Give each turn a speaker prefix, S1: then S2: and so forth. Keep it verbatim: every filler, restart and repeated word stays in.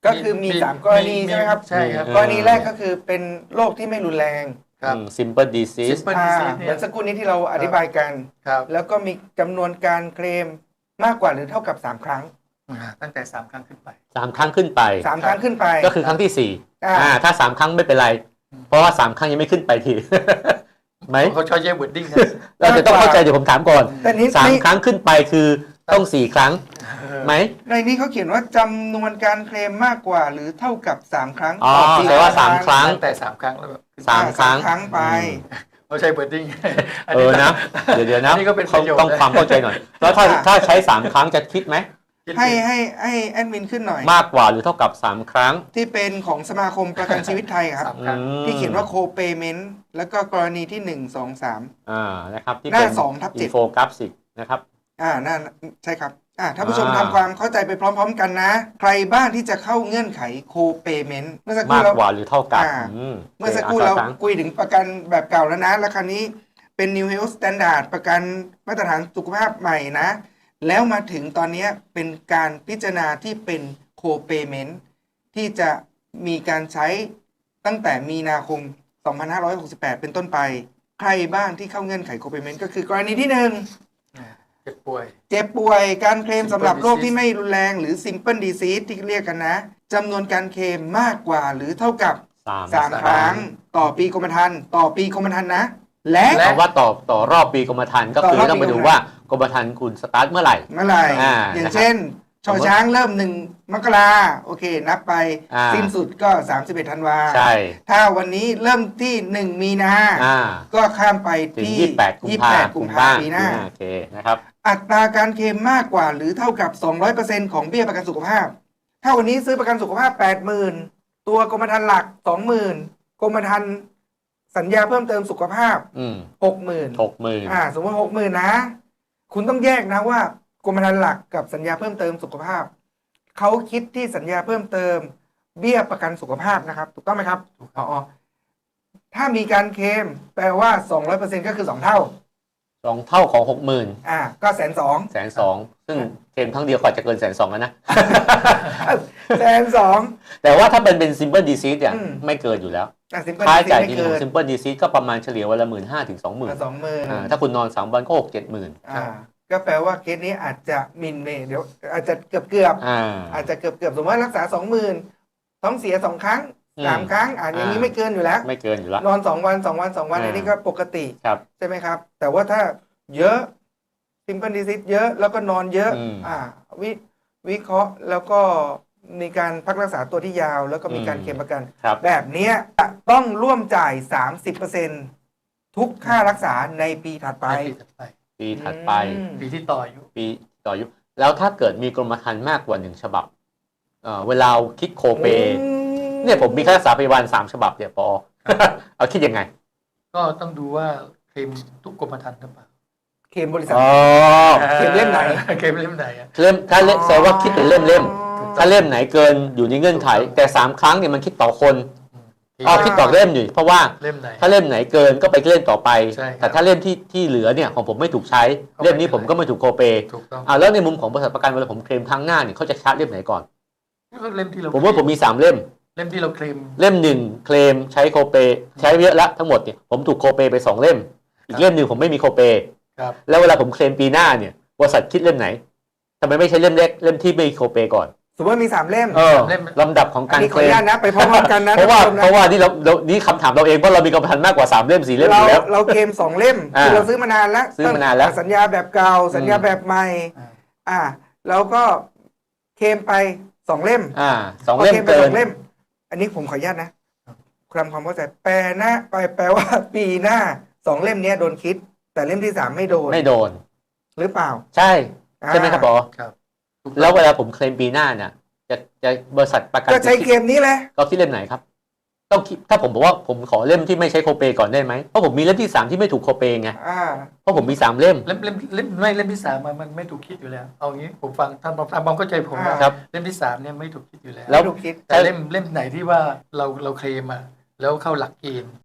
S1: ก็คือมีสามกรณีใช่ไหมครับ
S2: ใช่ครับ
S1: กรณีแรกก็คือเป็นโรคที่ไม่รุนแรง
S2: ครับ
S3: simple disease
S2: simple
S1: อ่า
S2: disease
S1: เห
S2: เนี่
S1: มือย นสักครู่นี้ที่เราอธิบายกัน
S2: ครับ
S1: แล้วก็มีจำนวนการเคลมมากกว่าหรือเท่ากับสามครั้ง
S2: อ่าตั้งแต่สามครั้งขึ้นไป
S3: สามครั้งขึ้นไป
S1: สามครั้งขึ้นไป
S3: ก็คือครั้งที่สี่
S1: อ่า
S3: อ่าถ้าสามครั้งไม่เป็นไร เพราะว่าสามครั้งยังไม่ขึ้นไปที ไหม
S2: เขาใช้แยก wording นะ
S3: เราจะต้องเข้าใจเดี๋ยวผมถามก่อน
S1: แต่นี้
S3: สาม
S1: ใน
S3: ครั้งขึ้นไปคือต้องสี่ครั้งไหม
S1: ในนี้เขาเขียนว่าจำนวนการเคลมมากกว่าหรือเท่ากับสามครั้ง
S3: อ๋อ
S1: ต่อปี
S3: แปลว่าสามครั้ง
S2: ตั้งแต่สามครั้งแล้วแบบ
S3: สามครั้ง
S1: ครั้งไป
S2: เขาใช้ wording
S3: เออนะ เดี๋ยวเดี๋ยวนะ
S2: อันนี้ก็เป็นประโยชน์
S3: ต้องความเข้าใจหน่อย แล้วถ้าถ้าใช้สามครั้งจะคิดไหม
S1: ให้ให้ให้แอดมินขึ้นหน่อย
S3: มากกว่าหรือเท่ากับสามครั้ง
S1: ที่เป็นของสมาคมประกันชีวิตไทยครับ
S2: สามครั้ง
S3: อืม
S1: ที่เขียนว่าโคเปเมนต์แล้วก็กรณีที่หนึ่งสองสาม
S3: อ่านะครับที่
S1: หน้า
S3: เป็น
S1: สองทับเจ็ด
S3: อินโฟกราฟิกนะครับ
S1: อ่านั่นใช่ครับอ่าท่านผู้ชม
S3: อ่า
S1: ทำความเข้าใจไปพร้อม ๆ กันนะ ใครบ้างที่จะเข้าเงื่อนไขโคเปเมนต์เมื่อสักครู่
S3: มาก
S1: เรา
S3: กว่าหรือเท่ากับ
S1: อ่า
S3: ม
S1: เมื่อสักครู่
S3: โอ
S1: เรา
S3: คอ่ะ
S1: คุยถึงประกันแบบเก่าแล้วนะ แล้วคราวนี้เป็น New Health Standard ประกันมาตรฐานสุขภาพใหม่นะ แล้วมาถึงตอนนี้เป็นการพิจารณาที่เป็นโคเปเมนต์ที่จะมีการใช้ตั้งแต่มีนาคม สองพันห้าร้อยหกสิบแปด เป็นต้นไป ใครบ้างที่เข้าเงื่อนไขโคเปเมนต์ก็คือกรณีที่หนึ่ง
S2: เจ็บป่วย
S1: เจ็บป่วยการเคลม
S2: Simple
S1: สำหรับโรค
S2: disease
S1: ที่ไม่รุนแรงหรือ simple disease ที่เรียกกันนะจำนวนการเคลมมากกว่าหรือเท่ากับ
S3: สาม
S1: สามครั้งต่อปีกรมธรรม์ต่อปีกรมธรรม์นะ และ
S2: และ
S3: คำว่าต่อต่อรอบปีกรมธรรม์ก็คือ
S1: ต่อรอบปี
S3: ต้องไปดูว่ากรมธรรม์คุณสตาร์ทเมื่อไหร่
S1: เมื่อไหร่
S3: อ่า
S1: อย่าง
S3: นะครับ
S1: เช่นชอช้างเริ่มหนึ่งมกราโอเค นับไป
S3: อ่า
S1: สิ้นสุดก็ สามสิบเอ็ดธันวา
S3: ใช่
S1: ถ้าวันนี้เริ่มที่หนึ่งมีนา
S3: อ่า
S1: ก็ข้ามไป
S3: ถึง
S1: ที่
S3: ยี่สิบแปดกุม
S1: ยี่สิบ
S3: ภา
S1: แปด
S3: พันธ์
S1: กุมภาพันธ์ปีหน้า
S3: โอเคนะครับ
S1: อัตราการเคลมมากกว่าหรือเท่ากับ สองร้อยเปอร์เซ็นต์ ของเบี้ยประกันสุขภาพ ถ้าวันนี้ซื้อประกันสุขภาพ แปดหมื่น ตัวกรมธรรม์หลัก สองหมื่น กรมธรรม์สัญญาเพิ่มเติมสุขภาพ
S3: อืม
S1: หกหมื่น
S3: หกหมื่น
S1: อ่าสมมติหกหมื่นนะ คุณต้องแยกนะว่ากรมธรรม์หลักกับสัญญาเพิ่มเติมสุขภาพ เขาคิดที่สัญญาเพิ่มเติม เบี้ยประกันสุขภาพนะครับ ถูกต้องไหมครับอ๋อถ้ามีการเคลมแปลว่า สองร้อยเปอร์เซ็นต์ ก็คือสองเท่า
S3: สองเท่าของหกหมื่น
S1: อ่าก็แสนสอง
S3: แสนสองซึ่งเคลมครั้งเดียวกว่าจะเกินแสนสองแล้วนะ
S1: แสนสอง
S3: แต่ว่าถ้าเป็นเป็น simple disease เนี่ย
S1: อืม
S3: ไม่เกินอยู่แล้ว
S1: อ่ะซิมเปิล
S3: ค่าใช้
S1: ดิ
S3: จ่าย
S1: ไม่
S3: จริง
S1: เกิ
S3: ของ
S1: น
S3: simple disease ก็ประมาณเฉลี่ยวันละหมื่นห้าถึงสองหมื่น
S1: สองหมื่น
S3: ถ้าคุณนอนสามวันก็หกเจ็ดหมื่น
S1: อ่าก็แปลว่าเคสนี้อาจจะมินเมย์เดี๋ยวอาจจะเกือบเกือบ
S3: อ่า
S1: อาจจะเกือบเกือบสมมติว่ารักษาสองหมื่นท้องเสียสองครั้ง
S3: อืม
S1: สามครั้งอ่าอย่างนี้
S3: อ่า
S1: ไม่เกินอยู่แล้ว
S3: ไม่เกินอยู่แล้ว
S1: นอนสองวันสองวันสองวัน
S3: อ่า
S1: อันนี้ก็ปกติ
S3: ครับ
S1: ใช่ไหมครับ แต่ว่าถ้าเยอะซิมเปิลดิซิสเยอะแล้วก็นอนเยอะ
S3: อืม
S1: อ่าวิวิเคราะห์แล้วก็มีการพักรักษาตัวที่ยาว แล้วก็มีการ
S3: อืม
S1: เคลมประกัน
S3: ครับ
S1: แบบเนี้ยจะต้องร่วมจ่าย สามสิบเปอร์เซ็นต์ ทุกค่ารักษาในปีถัดไป
S2: ไปปีถัดไป
S3: ปีถัดไป
S1: อืม
S2: ปีที่ต่ออายุ
S3: ปีต่ออายุแล้วถ้าเกิดมีกรมธรรม์มากกว่าหนึ่งฉบับเอ่อเวลาคิดโคเป
S1: อืม
S3: เนี่ยผมมีค่ารักษาพยาบาลสามฉบับเนี่ยปอ เอาคิดยังไง
S2: ก็ต้องดูว่าเคลมทุกกรมธรรม์หรือเปล่า
S1: เคลมบริษัท
S3: อ๋อ
S1: เคลมเล่มไหน
S2: เคลมเล่มไหนอะ
S3: เล่มถ้าเล่มแสดงว่าคิดเป็นเล่มเล่ม
S1: อ๋อ
S3: ถ้าเล่มไหนเกินอยู่ในเงื่อนไข แต่สามครั้งเนี่ยมันคิดต่อคน
S2: ที่
S3: อ๋อคิดต่อเล่มอยู่เพราะว่า
S2: เล่มไหน
S3: ถ้าเล่มไหนเกินก็ไปเล่มต่อไป
S2: ใช่ครับ
S3: แต่ถ้าเล่มที่ที่เหลือเนี่ยของผมไม่ถูกใช้
S2: ก็ไม่
S3: เล่มนี้
S2: เป็นไร
S3: ผมก็ไม่ถูกโคเป
S2: ถูกต้อง
S3: อ่าแล้วในมุมของบริษัทประกันเวลาผมเคลมครั้งหน้าเนี่ยเขาจะชาร์จเล่มไหนก่อน
S2: ก็เล่มที่เรา
S3: ผมว่าผมมีสามเล่ม
S2: เล่มที่เราเคลม
S3: เล่มหนึ่งเคลมใช้โคเปใช้เยอะแล้วทั้งหมดเนี่ยผมถูกโคเปไปสองเล่ม อีกเล่มหนึ่งผมไม่มีโคเป
S2: ครับ
S3: แล้วเวลาผมเคลมปีหน้าเนี่ยบริษัทคิดเล่มไหนทำไมไม่ใช้เล่มเล็กเล่มที่ไม่มีโคเปก่อน
S1: สมมติว่ามีสามเล่ม
S3: เออลำดับของ
S1: อั
S3: กาน ร
S1: นี้ข
S3: เค
S1: อ
S3: ล
S1: อนุ
S3: ม
S1: ญาตนะไปพร้อมๆกันนะ
S3: เพราะว่า
S1: ท่นผู้ชมน
S3: เพราะว่านี่เราเรานี่คำถามเราเองเพราะเรามีกรรมพันธ์มากกว่าสามเล่มสี่เล่มอ
S1: เรา
S3: ยู่แล้ว
S1: เราเคลมสองเล่ม
S3: อ่า
S1: คือเราซื้อมานานแล้ว
S3: ซื้อมานานแล้ว
S1: สัญญาแบบเก่าสัญญา
S3: อืม
S1: แบบใหม่
S2: อ่า
S1: อ่าแล้วก็เคลมไปสองเล่ม
S3: อ่าสองเล่ม
S1: พคไป
S3: เกิ
S1: ส
S3: น
S1: องเล่ม อันนี้ผมขออนุญาตนะคำความเข้าใจแปลหน้าไปแปลว่าปีหน้าสองเล่มเนี้ยโดนคิด แต่เล่มที่สามไม่โดน
S3: ไม่โดน
S1: หรือเปล่า
S3: ใช่ใช่ไหมครับบอ
S2: ครับ
S3: แล้วเวลาผมเคลมปีหน้าเนี่ยจะจะบริษัทประกัน
S1: ก็ใช้เคลมนี้แหละ
S3: ก็คิดเล่มไหนครับต้องคิดถ้าผมบอกว่าผมขอเล่มที่ไม่ใช้โคเปก่อนได้ไหมเพราะผมมีเล่มที่สามที่ไม่ถูกโคเปไง
S1: อ่า
S3: เพราะผมมีสามเล่ม
S2: เล่มเล่มเล่มไม่เล่มที่สามมันมันไม่ถูกคิดอยู่แล้ว เอางี้ผมฟังท่านตามความเข้าใจผม
S1: อ่า
S2: นะครับ เล่มที่สามเนี่ยไม่ถูกคิดอยู่แล้ว
S3: แล้ว
S1: ไม่ถูกคิด
S2: แต่เล่มเล่มไหนที่ว่าเราเราเคลมอะแล้วเข้าหลักเกณฑ์